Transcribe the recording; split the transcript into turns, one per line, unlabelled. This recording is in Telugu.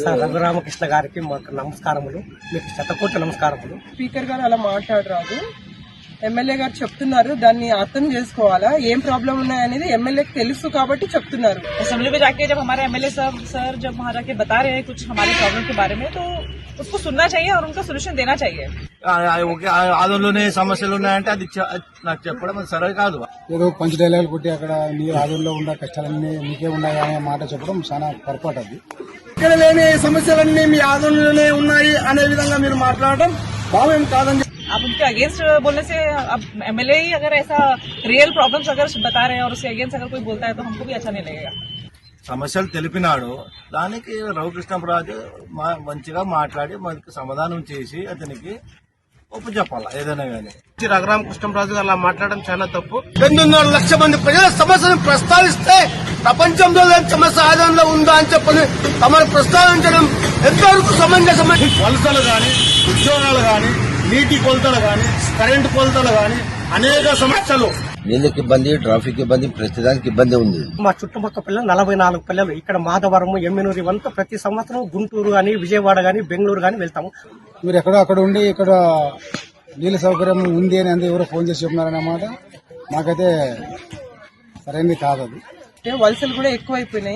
రఘురామకృష్ణ గారికి మాకు నమస్కారములు, మీకు శతకోటి నమస్కారములు.
స్పీకర్ గారు అలా మాట్లాడరాదు. ఎమ్మెల్యే గారు చెప్తున్నారు, దాన్ని అర్థం చేసుకోవాలా, ఏం ప్రాబ్లం ఉన్నాయనేది ఎమ్మెల్యేకి తెలుసు కాబట్టి చెప్తున్నారు.
असेंबली में जाके जब हमारे एमएलए साहब सर जब वहाँ जाके बता रहे हैं कुछ हमारी प्रॉब्लम के बारे में, तो उसको सुनना चाहिए और उनका सोल्यूशन देना चाहिए.
ఆదంలోనే సమస్యలు ఉన్నాయంటే అది నాకు చెప్పడం అది సరే కాదు.
ఏదో పంచ్ డైలాగులు కొట్టి అక్కడ నీ ఆదంలో ఉన్న కష్టాలన్నీ నీకే ఉన్నాయి అనే మాట చెప్పడం చాలా పొరపాటు. అది
ఇక్కడ లేని సమస్యలన్నీ మీ ఆదంలోనే ఉన్నాయి అనే విధంగా మీరు మాట్లాడడం భావ్యం కాదని.
आप उनके अगेंस्ट बोलने से, अब एमएलए ही अगर ऐसा रियल प्रॉब्लम्स अगर बता रहे हैं और उसके अगेंस्ट अगर कोई बोलता है तो हमको भी अच्छा नहीं लगेगा.
సమస్యలు తెలిపినాడు, దానికి రఘుకృష్ణరాజు మంచిగా మాట్లాడి మనకి సమాధానం చేసి అతనికి ఒప్పు చెప్పాలా ఏదైనా గానీ.
రఘురామకృష్ణరాజు అలా మాట్లాడడం చాలా తప్పు. 8.5 లక్షల మంది ప్రజల సమస్యను ప్రస్తావిస్తే ప్రపంచంలో సమస్య ఆదాయంలో ఉందా అని చెప్పని తమను ప్రస్తావించడం ఎంతవరకు సమంజసమైన.
వలసలు గాని, ఉద్యోగాలు గాని, నీటి కొలతలు గాని, కరెంటు కొలతలు గాని, అనేక సమస్యలు.
నీళ్ళకి ఇబ్బంది, ట్రాఫిక్ ఇబ్బంది, ప్రతిదానికి ఇబ్బంది ఉంది.
మా చుట్టుపక్కల పిల్లలు 44 పిల్లలు ఇక్కడ మాధవరం, ఎమ్మెనూరు ఇవంతా ప్రతి సంవత్సరం గుంటూరు గాని, విజయవాడ గాని, బెంగళూరు గాని వెళ్తాము.
మీరు ఎక్కడో అక్కడ ఉండి ఇక్కడ నీళ్ళ సౌకర్యం ఉంది అని అంతా ఎవరో ఫోన్ చేసి చెప్తున్నారన్నమాట. మాకైతే సరైనది కాదు. అది
వలసలు కూడా ఎక్కువైపోయినాయి.